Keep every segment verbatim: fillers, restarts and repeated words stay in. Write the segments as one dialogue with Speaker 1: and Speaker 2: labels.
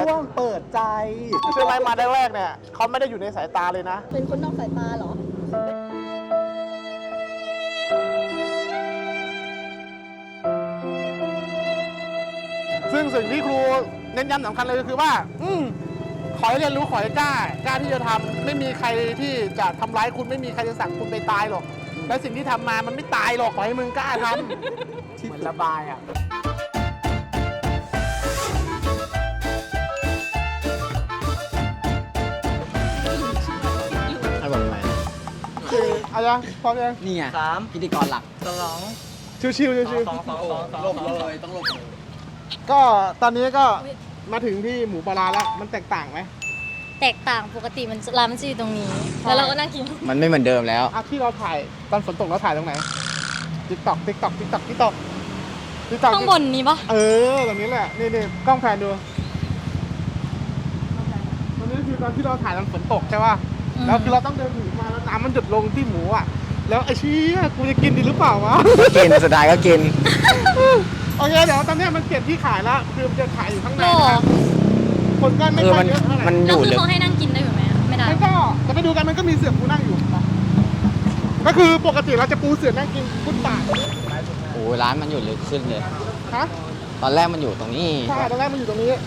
Speaker 1: วงเปิดใจเชื่อไหมมาแรกๆเนี่ยเขาไม่ได้อยู่ในสายตาเลยนะ
Speaker 2: เป็นคนนอกสายตาเหรอ
Speaker 1: ซึ่งสิ่งที่ครูเน้นย้ำสำคัญเลยก็คือว่าอืมขอให้เรียนรู้ขอให้กล้ากล้าที่จะทำไม่มีใครที่จะทำร้ายคุณไม่มีใครจะสั่งคุณไปตายหรอกและสิ่งที่ทำมามันไม่ตายหรอกขอให้มึงกล้าทำเหมือนระบายอ่ะให้บอกไหมคืออะไรพร้อมยัง
Speaker 3: นี่ไงสามพิธีกรหลักสอง
Speaker 1: ชิวๆชิวๆ
Speaker 3: สองสองสองหลบเลยต้องหลบเลย
Speaker 1: ก็ตอนนี้ก็มาถึงที่หมูปลาร้าแล้วมันแตกต่างไหม
Speaker 2: แตกต่างปกติมันร้านมันจะอยู่ตรงนี้แล้วเราก็นั่งกิน
Speaker 3: มันไม่เหมือนเดิมแล้ว
Speaker 1: อ่ะที่เราถ่ายตอนฝนตกเราถ่ายตรงไหนติ๊กต็อกติ๊กต็อกติ๊กต็อกติ๊กต็อกติ๊กต็อก
Speaker 2: ข้างบนนี้ปะ
Speaker 1: เออตรงนี้แหละนี่นี่กล้องแพนดูตอนนี้คือตอนที่เราถ่ายตอนฝนตกใช่ป่ะแล้วคือเราต้องเดินถือมาแล้วน้ำมันหยดลงที่หมูอ่ะแล้วไอ้ชี้กูจะกินดีหรือเปล่าวะ
Speaker 3: กินสุดท้ายก็กิน
Speaker 1: โอเคเดี๋ยวตอนนี้มันเปลี่ยนที่ขายแล้วคือมันจะขายอยู่ข้างในนะคนก็ไม่ค่อยเยอะเท่าไหร่
Speaker 3: มันอ
Speaker 2: ยู่
Speaker 3: เลย
Speaker 2: คือเขาให้นั่งกินได้อยู่ไหมไม่ได้
Speaker 1: มันก็จะไปดูกันมันก็มีเสือปูนั่งอยู่ก็คือปกติเราจะปูเสือนั่งกินฟุตบาท
Speaker 3: โอ้ร้านมันอยู่ลึกขึ้นเลย
Speaker 1: ฮะ
Speaker 3: ตอนแรกมันอยู่ตรงนี้
Speaker 1: ใช่ตอนแรกมันอยู่ตรงนี้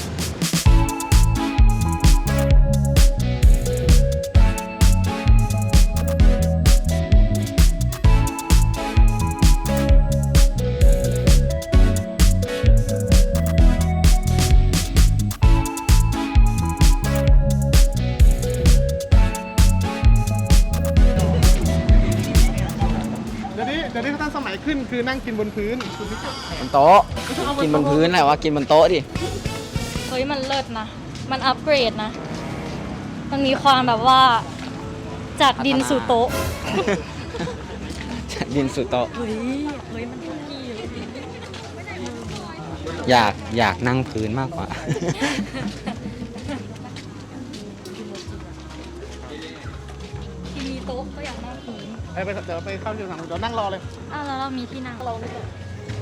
Speaker 1: เดี๋ยวนี้เขาตั้งสมัยขึ้นคือนั่งกินบนพื้น
Speaker 3: บนโต๊ะกินบนพื้นแหละว่ากินบนโต๊ะดิ
Speaker 2: เฮ้ยมันเลิศนะมันอัปเกรดนะมันมีความแบบว่าจากดินสู่โต๊ะ
Speaker 3: จากดินสู่โต๊ะ
Speaker 2: เฮ้ยเฮ้ยมันทุกที่
Speaker 3: อยากอยากนั่งพื้นมากกว่า
Speaker 2: ที่มีโต๊ะก็อยากนั่งพื้น
Speaker 1: ไปไปเดี๋ยวไปเข้าที่สั่งเดี๋ยวนั่งรอเลย
Speaker 2: อ้าวแล้วเรามีที่นั่งเราไม่ได้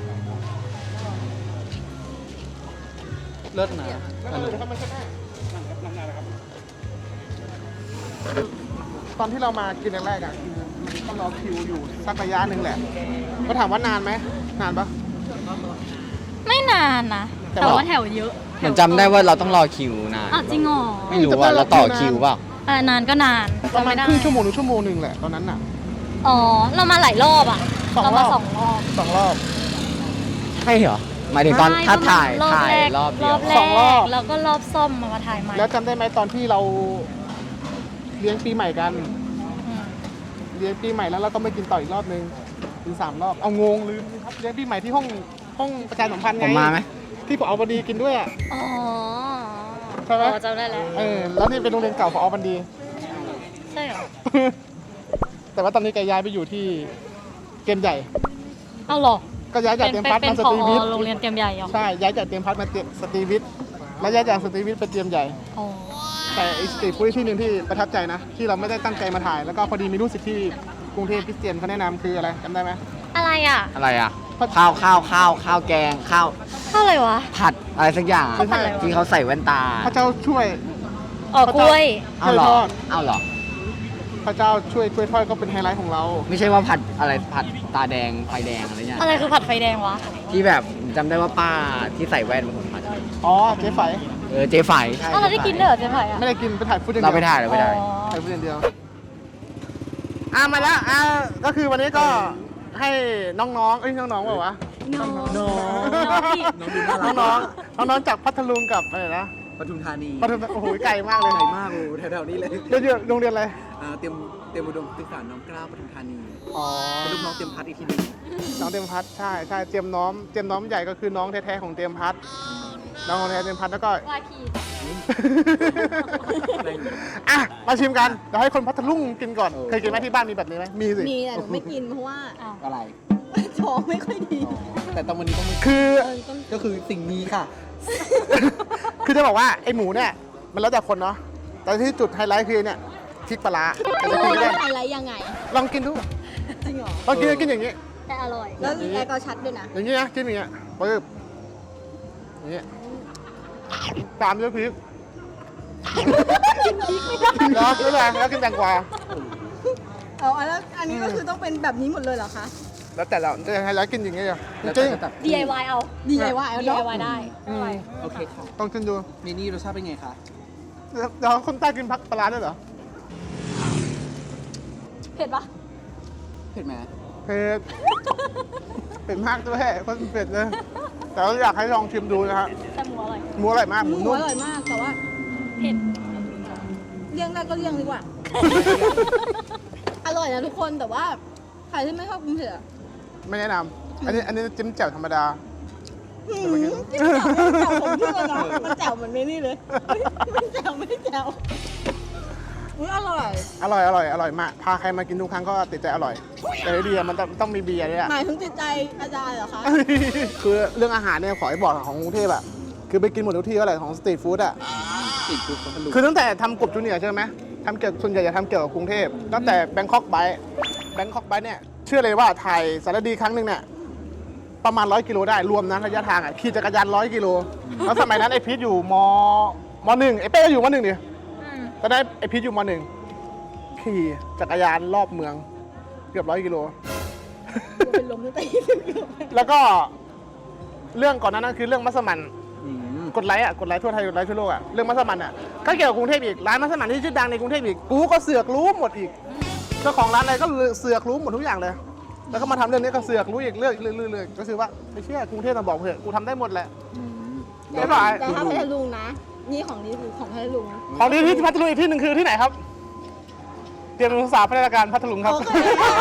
Speaker 1: เลิศนะนั่งเลยครับมันก็ได้นั่งได้ครับตอนที่เรามากินแรกๆอ่ะมันต้องรอคิวอยู่สักระยะหนึ่งแหละก็ถามว่านานไหมนานปะ
Speaker 2: ไม่นานนะแต่ว่าแถวเยอะ
Speaker 3: มันจำได้ว่าเราต้องรอคิวนาน
Speaker 2: อ่ะจริงเหรอ
Speaker 3: ไม่รู้ว่าเราต่อคิวเปล่า
Speaker 2: อ่านานก็นาน
Speaker 1: ประมาณครึ่งชั่วโมงหรือชั่วโมงหนึ่งแหละตอนนั้นน่ะ
Speaker 2: อ๋อเรามาหลายรอบอ่ะเรามาสองรอบ
Speaker 1: สองรอบ
Speaker 3: ใช่เหรอหมายถึงตอนถ้าถ่ายถ่ายรอบเดียว
Speaker 2: สองรอบแล้วก็รอบซ่อมมาถ่ายใหม่
Speaker 1: แล้วจำได้ไหมตอนที่เราเลี้ยงปีใหม่กันเลี้ยงปีใหม่แล้วเราก็ไม่กินต่ออีกรอบนึงกินสามรอบเอางงลืมครับเลี้ยงปีใหม่ที่ห้องห้องประชาสัมพันธ์ไง
Speaker 3: ผมมาไหม
Speaker 1: ที่ผอ.บันดีกินด้วยอ่ะ
Speaker 2: อ๋อ
Speaker 1: ใช่ไหม
Speaker 2: จำได้แล้ว
Speaker 1: เออแล้วนี่เป็นโรงเรียนเก่าผอ.บันดี
Speaker 2: ใช่เหรอ
Speaker 1: แต่ว่าตอนนี้แกย้ายไปอยู่ที่เกมใหญ่
Speaker 2: เอาหรอ
Speaker 1: ก็ย้ายจากเตรียมพัฒน์มาสตรีวิทย์
Speaker 2: โรงเรียนเตรียมใหญ่เหรอ
Speaker 1: ใช่ย้ายจากเตรียมพัฒน์มาสตรีวิทย์แล้วย้ายจากสตรีวิทย์ไปเตรียมใหญ่
Speaker 2: อ๋อ
Speaker 1: แต่อีสตรีทฟู้ดที่หนึ่งที่ประทับใจนะที่เราไม่ได้ตั้งใจมาถ่ายแล้วก็พอดีมีลูกศิษย์ที่กรุงเทพคริสเตียนเขาแนะนำคืออะไรจำได้ไหม
Speaker 2: อะไรอ่ะ
Speaker 3: อะไรอ่ะข้าวข้าวข้าวข้าวแกงข้าว
Speaker 2: ข้าวอะไรวะ
Speaker 3: ผัดอะไรสักอย่างที่เขาใส่แว่นตา
Speaker 1: พระเจ้าช่วย
Speaker 2: อ๋อกล้วย
Speaker 3: เอาหรอเอาหรอ
Speaker 1: พระเจ้าช่วยกล้วยทอดก็เป็นไฮไลท์ของเรา
Speaker 3: ไม่ใช่ว่าผัดอะไรผัดตาแดงไฟแดงอะไรเงี้ย
Speaker 2: อะไรคือผัดไฟแดงวะ
Speaker 3: ที่แบบจำได้ว่าป้าที่ใส่แว่นเป็นคนผัด
Speaker 1: อ๋อเจ๊ไฝ
Speaker 3: เออเจ๊ไฝ
Speaker 2: ใช่เราได้กินเลยเหรอเจ๊ไฝอ่ะ
Speaker 1: ไม่ได้กินไปถ่ายฟุตเดียว
Speaker 3: เราไปถ่ายเราไปถ่าย
Speaker 1: ถ่ายฟุตเดียวอ่ะมาแล้วอ่ะก็คือวันนี้ก็ให้น้องๆเอ้ยน้องๆว่าวะ
Speaker 2: น้อง
Speaker 1: น้องน้องน้องน้องจากพัทลุงกับอะไรนะ
Speaker 3: ปทุมธานี
Speaker 1: ปทุมโอ้โหไกลมากเลย
Speaker 3: ไกลมากโอ้แถวๆนี้เลย
Speaker 1: เรียนโรงเรียนอะไร
Speaker 3: เตรียมเตรียมอุดมศึกษาน้อมเกล้าปทุมธานี
Speaker 1: อ๋อ
Speaker 3: เป็นลูกน้องเตรียมพัฒน์อีกทีนึง
Speaker 1: น้องเตรียมพัฒน์ใช่ใช่เตรียมน้อมเตรียมน้อมใหญ่ก็คือน้องแท้ๆของเตรียมพัฒน์น้องของแท้เตรียมพัฒน์แล้วก็
Speaker 2: วายพี
Speaker 1: อ่ะมาชิมกันเดี๋ยวให้คนพัทลุงกินก่อนเคยกินไหมที่บ้านมีแบบนี้ไหมมีสิ
Speaker 4: มีแต่หนูไม่กินเพราะว่า
Speaker 3: อะไร
Speaker 4: ท้องไม่ค่อยดี
Speaker 3: แต่ตอนวันนี้ต้อง
Speaker 1: คือ
Speaker 3: ก็คือสิ่งนี้ค่ะ
Speaker 1: คือจะบอกว่าไอหมูเนี่ยมันแล้วแต่คนเนาะแต่ที่จุดไฮไลท์คือเนี่ยพริกปลาร้า
Speaker 4: จะกินได้ไฮไลท์ยังไง
Speaker 1: ลองกินดู
Speaker 4: จริงเหรอ
Speaker 1: ลองกินกินอย่างนี้
Speaker 4: แต่อร่อยแล้วแอลกอฮอล์ชัดด้วยนะ
Speaker 1: อย่างนี้นะกินอย่างเงี้ยปึ๊บอย่างเงี้ยตามด้วยพริกแล้วแล้วอะไรแล้วกินแตงกวา
Speaker 4: เอาอันแล้วอันนี้ก็คือต้องเป็นแบบนี้หมดเลยเหรอคะ
Speaker 1: แล้วแต่เราจะให้เรากินอย่างนี้เหรอ
Speaker 3: แล้ว
Speaker 1: จริง
Speaker 3: ก็แบบ
Speaker 2: ดี ไอ วาย เอา
Speaker 4: ดีไงว่าเอา
Speaker 2: ดี
Speaker 4: เนาะ
Speaker 2: ไอ วาย ได้
Speaker 1: อืม
Speaker 3: โอเคค่ะ
Speaker 1: ต้องกินดู
Speaker 3: เมนี่รสชาติเป็นไงคะ
Speaker 1: แล้วแล้วคนใต้กินผักปลาร้าด้วยเหรอ
Speaker 2: เผ็ดปะ
Speaker 3: เผ็ดไหม
Speaker 1: เผ็ดเผ็ดมากด้วยคนเผ็ดเลย แต่ว่าอยากให้ลองชิมดูนะฮะ
Speaker 2: แต่หมูอร่อย
Speaker 1: หมูอร่อยมากห
Speaker 4: ห
Speaker 1: มู
Speaker 4: มู
Speaker 1: นุ่ม
Speaker 4: อร่อยมากแต่ว่า
Speaker 2: เผ็ด
Speaker 4: เลี่ยงได้ก็เลี่ยงดีกว่า อร่อยนะทุกคนแต่ว่าใครที่ไม่ชอบกินเผ็ดอะ
Speaker 1: ไม่แนะนำอันนี้อันนี้จิ้มแจ่วธรรมดา
Speaker 4: หืมจิ้มแจ่วไม่แจ่วผมเพื่อนนะมันแจ่วเหมือนเมนี่เลยไม่แจ่วไม่แจ่วอุ๊ยอร่อย
Speaker 1: อร่อยอร่อยอร่อยมากพาใครมากินทุกครั้งก็ติดใจอร่อย แต่เบียร์มันต้องต้องมีเบียร์ด้วยอะ
Speaker 4: หมายถึงจิตใจอาจารย์เหรอคะ
Speaker 1: คือเรื่องอาหารเนี่ยขอให้บอกของกรุงเทพอะคือไปกินหมดทุกที่ก็แหละของสตรีทฟู้ดอะ
Speaker 3: ติดคุกพัทลุง
Speaker 1: คือตั้งแต่ทำกบจูเนียร์ใช่ไหมทำเกี่ยวส่วนใหญ่จะทำเกี่ยวกับกรุงเทพตั้งแต่แบงคอกไบต์แบงคอกไบต์เนี่ยเชื่อเลยว่าถ่ายสารดีครั้งหนึ่งเนี่ยประมาณร้อยกิโลได้รวมนะระยะทางอะขี่จักรยานร้อยกิโลแล้วสมัยนั้นไอพีทอยู่มมหนึ่งไอเป้ก็อยู่มหนึ่งดิตอนนั้นไอพีทอยู่มหนึ่งขี่จักรยานรอบเมืองเกือบร้อยกิโล
Speaker 4: เป็นลมตั้งแต่ยี่สิบกิโล
Speaker 1: แล้วก็เรื่องก่อนหนานั้นคือเรื่องมัสมั่น
Speaker 3: อืม
Speaker 1: กดไลค์อ่ะกดไลค์ทั่วไทยกดไลค์ทั่วโลกอ่ะเรื่องมัสมั่นอ่ะก็เกี่ยวกับกรุงเทพอีกร้านมัสมั่นที่ชื่อดังในกรุงเทพอีกกูก็เสือกรู้หมดอีกเจ้าของร้านอะไรก็เสือกรู้หมดทุกอย่างเลย แล้วก็มาทำเรื่องนี้ก็เสือกรู้อีกเรื่องเรื่อยๆก็คือว่าไม่เชื่อกรุงเทพมาบอกเถอะกูทำได้หมดแหละ
Speaker 4: แต่
Speaker 1: บ๊ายบาย
Speaker 4: แต่ถ้าพัทลุงนะ นี่ของนี่คือของพัทลุง
Speaker 1: ของดีที่พัทลุงอีกที่หนึ่งคือที่ไหนครับเตรียมศึกษาพัฒนาการพัทลุงครับ
Speaker 4: โอเค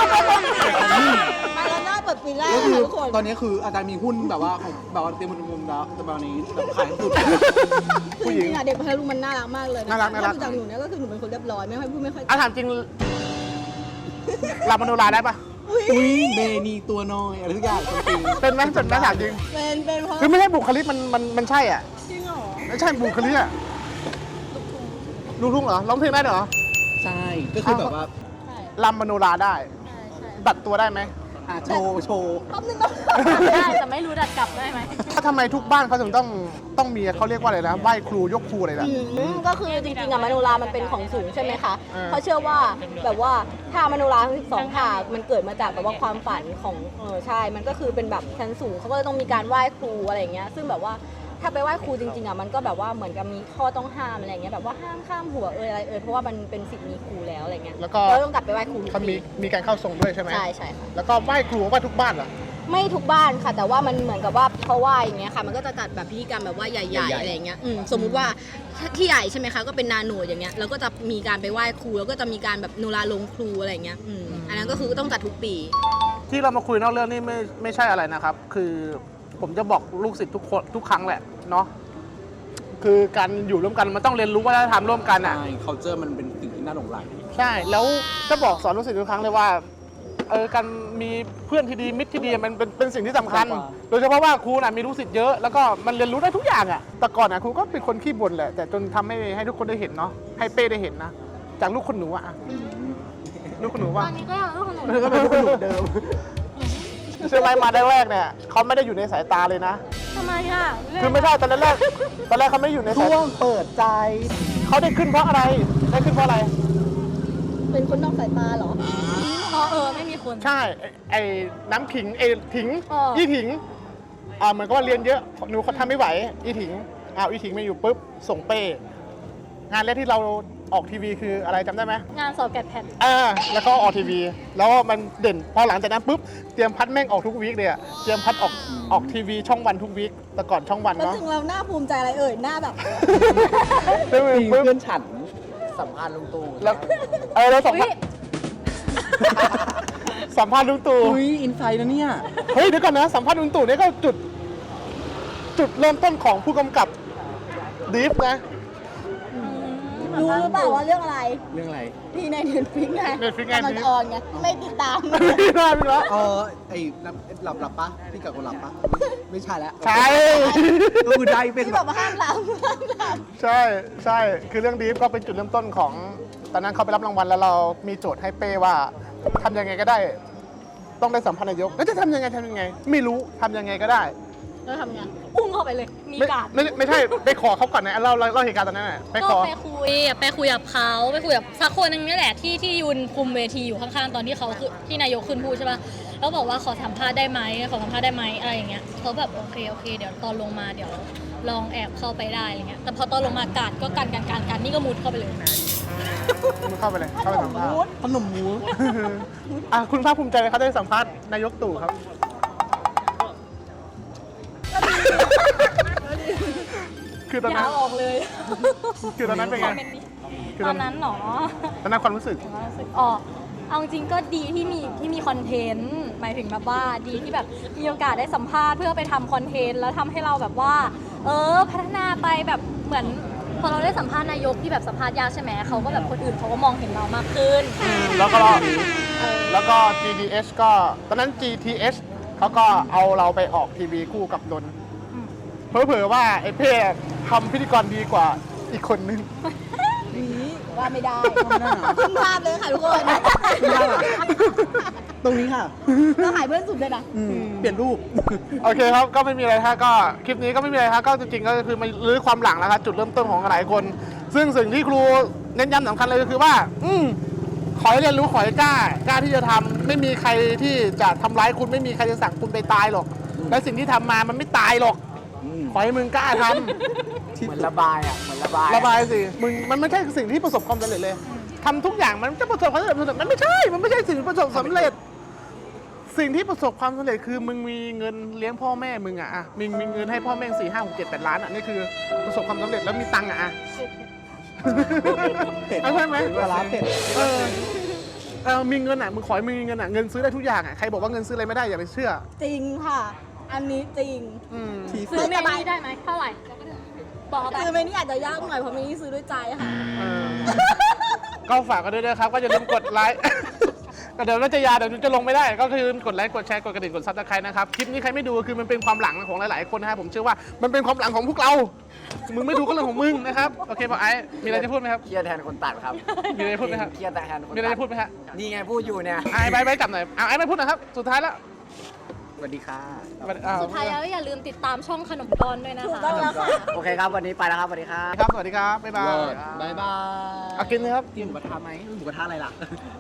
Speaker 4: มาแล้วหน้าเปิดปีแรก
Speaker 3: ก็
Speaker 4: นะ
Speaker 3: คือ
Speaker 4: ทุกคน
Speaker 3: ตอนนี้คืออาจารย์มีหุ้นแบบว่าของแบบว่าเต็มมุมแล้วแต่แบบนี้แบบขายสุด
Speaker 1: ผู้หญิง
Speaker 4: จริงๆอะเด็กพัทลุงมันน่ารักมากเลยะ
Speaker 1: น่ารักน่ารัก
Speaker 4: ถ้ดูจากหนูเนี่ยก็คือหนูเป็นคนเรียบร้อยไม่ค่อยพูดไม่ค่อย
Speaker 1: อาถามจริงลามโนราได้ปะ
Speaker 4: อุ้ย
Speaker 3: อุ้ยเมนี่ตัวน้อยอะไรทุกอย่างจริง
Speaker 1: เป็นไหมจนไหมถามจริง
Speaker 4: เป็นเป็นเพราะ
Speaker 1: คือไม่ใช่บุคลิกมันมันมันใช่อ่ะ
Speaker 4: จริงเหรอ
Speaker 1: ไม่ใช่บุคลิกอ่ะลูกทุ่งเหรอร้องเพลงได้เหรอ
Speaker 3: ใช่ก็คือแบบว่า
Speaker 4: ใช่
Speaker 1: ลำมโนราได้
Speaker 4: ใช่ใช่
Speaker 1: ดัดตัวได้ไหม
Speaker 3: อ่ะโชว์โชว์
Speaker 4: แป๊บนึงนะ
Speaker 2: ได้แต่ไม่รู้ดัดกลับได้ไหม
Speaker 1: ถ้าทำไมทุกบ้านเขาถึงต้องต้องมีเขาเรียกว่าอะไรนะไหว้ครูยกครูอะไรนะ
Speaker 4: อืมก็คือจริงๆอะมโนรามันเป็นของสูงใช่ไหมคะ
Speaker 1: เออ
Speaker 4: เขาเชื่อว่าแบบว่าท่ามโนราทั้งสิบสองท่ามันเกิดมาจากแบบว่าความฝันของเออใช่ มันก็คือเป็นแบบชั้นสูงเขาก็เลยต้องมีการไหว้ครูอะไรอย่างเงี้ยซึ่งแบบว่าถ้าไปไหว้ครูจริงๆอะมันก็แบบว่าเหมือนกับมีข้อต้องห้ามอะไรอย่างเงี้ยแบบว่าห้ามข้ามหัวเอยอะไรเอยเพราะว่ามันเป็นสิทธิ์มีครูแล้วอะไรเงี้ย
Speaker 1: แล้วก็
Speaker 4: เราต้องกลับไปไหว้ครูทุก
Speaker 1: เขามี
Speaker 4: ปี
Speaker 1: มีการเข้าทรงด้วยใช่ไหม
Speaker 4: ใช่ใช่ค่ะ
Speaker 1: แล้วก็ไหว้ครูไหว้ทุกบ้านเหรอ
Speaker 4: ไม่ทุกบ้านค่ะ แต่ว่ามันเหมือนกับว่าเพราะว่าอย่างเงี้ยค่ะ มันก็จะจัดแบบพิธีกรรมแบบว่าใหญ่ๆอะไรอย่างเงี้ยอืมสมมุติว่าที่ใหญ่ใช่ไหมคะก็เป็นนาโนอย่างเงี้ยแล้วก็จะมีการไปไหว้ครูแล้วก็จะมีการแบบโนราลงครูอะไรอย่างเงี้ยอืมอันนั้นก็คือต้องจัดทุกปี
Speaker 1: ที่เรามาคุยนอกเรื่องนี่ไม่ไม่ใช่อะไรนะครับ คือผมจะบอกลูกศิษย์ทุกคนทุกครั้งแหละเนาะคือการอยู่ร่วมกันมันต้องเรียนรู้วัฒนธรรมร่วมกันอ่ะ
Speaker 3: ใช่ culture มันเป็นสิ่งที่น่าหลงใหล
Speaker 1: ใช่ แล้วจะบอกสอนลูกศิษย์ทุกครั้งเลยว่า เออ การมีเพื่อนที่ดีมิตรที่ดีมันเป็นเป็นสิ่งที่สำคัญ โดยเฉพาะว่าครูน่ะมีลูกศิษย์เยอะ แล้วก็มันเรียนรู้ได้ทุกอย่างอ่ะ แต่ก่อนอ่ะครูก็เป็นคนขี้บ่นแหละ แต่จนทำให้ให้ทุกคนได้เห็นเนาะ ให้เป้ได้เห็นนะ จากลูกคนหนูอ่ะ ลูกคนหนู
Speaker 2: ต
Speaker 1: ว่า
Speaker 2: อนนี้ก็ยังลูกของหนู
Speaker 1: ก็เป็นลูกคนหนูเดิมเชื่อไหมมาได้แรกเนี่ยเขาไม่ได้อยู่ในสายตาเลยนะ
Speaker 2: ทำไมอ่ะ
Speaker 1: คือไม่ใช่ตอนแรกตอนแรกเขาไม่ได้อยู่ในสาย
Speaker 3: ช่วงเปิดใจ
Speaker 1: เขาได้ขึ้นเพราะอะไร ได้ขึ้นเพราะอะไร
Speaker 4: เป็นคนนอกสายตาเหรอ
Speaker 2: อ๋อเออไม่มีคน
Speaker 1: ใช่ไอ้ไอ้น้ำขิงไอ้ถิง
Speaker 2: เออ
Speaker 1: ยี่ถิงอ่าเหมือนกับว่าเรียนเยอะหนูเขาทำไม่ไหวอีถิงอ้าวอีถิงมาอยู่ปุ๊บส่งเป้งานแรกที่เราออกทีวีคืออะไรจำได้ไหม
Speaker 2: งานสอบแกดแพด
Speaker 1: อ่าแล้วก็ออกทีวี แล้วมันเด่นพอหลังจากนั้นปุ๊บเตรียมพัดแม่งออกทุกวีคเลยอะเตรียมพัดออกออกทีวีช่องวันทุกวีคแต่ก่อนช่องวัน
Speaker 4: แล้ว
Speaker 1: เนาะ
Speaker 4: ถึงเราหน้าภูมิใจอะไรเอ่ยหน้าแบบ
Speaker 1: เรื่อง
Speaker 3: มี
Speaker 1: ปุ๊บ
Speaker 3: เพื่อนฉันสัมภาษณ์ลุงตู่
Speaker 1: แล้วเออเราสัมภาษณ์สัมภาษณ์ลุงตู่
Speaker 3: อุ้ยอินไซด์นะเนี่ย
Speaker 1: เฮ้ยเดี๋ยวก่อนนะสัมภาษณ์ลุงตู่เนี่ยก็จุด จุดเริ่มต้นของผู้กำกับดีฟนะ
Speaker 4: รู้หรือเปล่าว่าเรื่องอะไร
Speaker 3: เรื่องอะไร
Speaker 4: ที่ในเน็ตฟิกไง
Speaker 1: Netflix ไง
Speaker 4: กำลังจะออนไงไม่ติดตาม
Speaker 1: ไม่ได้ไม่ได้
Speaker 3: เออไอ้หลับหลับหลับปะพี่กับคนหลับปะไม่ใช่แล้ว
Speaker 1: ใช่
Speaker 3: ก็คือได้เป็น
Speaker 4: ที่
Speaker 3: แบ
Speaker 4: แบบ บว่าห้ามหลับห้ามหลับ
Speaker 1: ใช่ใช่คือเรื่องดีฟก็เป็นจุดเริ่มต้นของ ตอนนั้นเขาไปรับรางวัลแล้วเรามีโจทย์ให้เป้ว่าทำยังไงก็ได้ ต้องได้สัมภาษณ์นายกแล้วจะทำยังไงทำยังไง ไม่รู้ทำยังไงก็ได้
Speaker 4: แล้วทำไง
Speaker 2: อุ้มเข้าไปเลย มี
Speaker 1: ไม่
Speaker 2: การ์ด
Speaker 1: ไม่ไม่ใช่ไปขอเขาก่อนนะเล่าเล่าเล่าเหตุการณ์ตอนนั้นน่ะไป
Speaker 2: ก็
Speaker 1: ขอ
Speaker 2: ไปคุยอะไปคุยกับเขาไปคุยกับสักคนหนึงนี่แหละที่ที่ยืนคุมเวทีอยู่ข้างๆตอนที่เขาคือที่นายกขึ้นพูดใช่ป่ะแล้วบอกว่าขอสัมภาษณ์ได้ไหมขอสัมภาษณ์ได้ไหมอะไรอย่างเงี้ยเขาแบบโอเคโอเคเดี๋ยวตอนลงมาเดี๋ยวลองแอบเข้าไปได้อะไรเงี้ยแต่พอตอนลงมากาดก็กันกันกันกันนี่ก็มุดเข้าไปเลย
Speaker 1: มึงเข้าไปเลยเข้าไปสัมภาษณ์ขนมหมูอ่ะคุณภาคภูมิใจไหมเขาได้สัมภาษณ์นายกตู่ครับ คือตอน
Speaker 2: อ
Speaker 1: นั้
Speaker 2: ย่าน ออกเลย
Speaker 1: คือตอนนั้นเป็น
Speaker 2: ค
Speaker 1: ไง
Speaker 2: อมเมนต์นี้
Speaker 1: คือ
Speaker 2: ต
Speaker 1: ต
Speaker 2: อ
Speaker 1: อน น
Speaker 2: นั้นหนอ
Speaker 1: ตอนนั้นความรู้สึก
Speaker 2: อ๋อเอาจริงๆก็ดีที่มีที่มีคอนเทนต์หมายถึงแบบว่าดีที่แบบมีโอกาสได้สัมภาษณ์เพื่อไปทำคอนเทนต์แล้วทำให้เราแบบว่า เออพัฒนาไปแบบเหมือนพอเราได้สัมภาษณ์นายกที่แบบสัมภาษณ์ยากใช่ไหมเขาก็แบบคนอื่นเขาก็มองเห็นเรามากขึ้น
Speaker 1: แล้วก็แล้วก็ จี ดี เอช ก็ตอนนั้น จี ที เอช เขาก็เอาเราไปออกทีวีคู่กับนนท์เผลอๆว่าไอ้เพ่ทำพิธีกรดีกว่าอีกคนนึง
Speaker 4: นี้ว่าไม่ได้ขึ้นภาพเลยค่ะทุกคน
Speaker 5: ตรงนี้ค่ะ
Speaker 4: เราหายเพื่อนสุดเลยนะ
Speaker 5: อืมเปลี่ยนรูป
Speaker 1: โอเคครับ ก็ไม่มีอะไรฮะก็คลิปนี้ก็ไม่มีอะไรฮะก็จริงๆก็คือมาลื้อความหลังแล้วครับจุดเริ่มต้นของหลายคน ซึ่งสิ่งที่ครูเน้นย้ำสำคัญเลยก็คือว่า อืมขอให้เรียนรู้ขอให้กล้ากล้าที่จะทำไม่มีใครที่จะทำร้ายคุณไม่มีใครจะสั่งคุณไปตายหรอก และสิ่งที่ทำมามันไม่ตายหรอก
Speaker 5: อืม
Speaker 1: ขอให้มึงกล้าทำ
Speaker 3: เหมือนระบายอ่ะเหมือนระบาย
Speaker 1: ระบายสิมึงมันไม่ใช่สิ่งที่ประสบความสำเร็จเลยทำทุกอย่างมันจะประสบความสำเร็จมันไม่ใช่มันไม่ใช่สิ่งที่ประสบสำเร็จ สิ่งที่ประสบความสำเร็จคือมึงมีเงินเลี้ยงพ่อแม่มึงอะอะมึงมีเงินให้พ่อแม่สี่ห้าหกเจ็ดแปดล้านอะนี่คือประสบความสำเร็จแล้วมีตังค์อะอะ
Speaker 5: เผ็ด
Speaker 1: เอาใช่ไหม
Speaker 5: ปลาร้าเผ็ด
Speaker 1: เออเออมีเงินอะมึงขอให้มึงมีเงินอะเงินซื้อได้ทุกอย่างอะใครบอกว่าเงินซื้ออะไรไม่ได้อย่าไปเชื่อ
Speaker 4: จริงค่ะ อันนี้จริง
Speaker 1: อืม
Speaker 5: ที
Speaker 2: ซื้อเมนี่ได้ไหมเท่าไหร่บอกไป
Speaker 4: คือเมนี่อาจจะยากหน่อยเพราะเมนี่ซื้อด้วยใจค่ะ
Speaker 1: เออก็ฝากกันด้วยนะครับ ก็อย่าลืมกดไลค์ ก็เดี๋ยวรัชยาเดี๋ยวจะลงไม่ได้ ก็คือกดไลค์ กดแชร์ กดกระดิ่ง กดซับสไครต์นะครับ คลิปนี้ใครไม่ดูคือมันเป็นความหลังของหลายๆคนนะครับ ผมเชื่อว่ามันเป็นความหลังของพวกเรา มึงไม่ดูก็เรื่องของมึงนะครับ โอเคป่ะไอ้มีอะไรจะพูดไหมครับ
Speaker 3: เครียดแทนคนตัดครับ
Speaker 1: มีอะไรจะพูดไหมครับ
Speaker 3: เครียดแทนคนตัด
Speaker 1: มีอะไรจะพูดไหมฮะ
Speaker 3: นี่ไงพูดอยู่เนี่ย
Speaker 1: ไอ้ไปไปจับหน่อยเอาไอ้ไม่พูดนะครับ สุดท้ายแล้ว
Speaker 3: สวัสดีค่ะ
Speaker 1: อ้าว
Speaker 2: สุดท้ายแล้วอย่าลืมติดตามช่องขนมกรด้วยนะ
Speaker 4: ถูก
Speaker 2: คะ
Speaker 4: ต้องแล้วค่ะ
Speaker 3: โอเคครับ วันนี้ไปแล้วครับ สวัสดีครับ
Speaker 1: ครับ สวัสดีครับ บ๊ายบาย
Speaker 5: บายบาย
Speaker 1: เอากินเลยครับ
Speaker 5: กินหมูกระทะไหมหมูกระทะอะไรล่ะ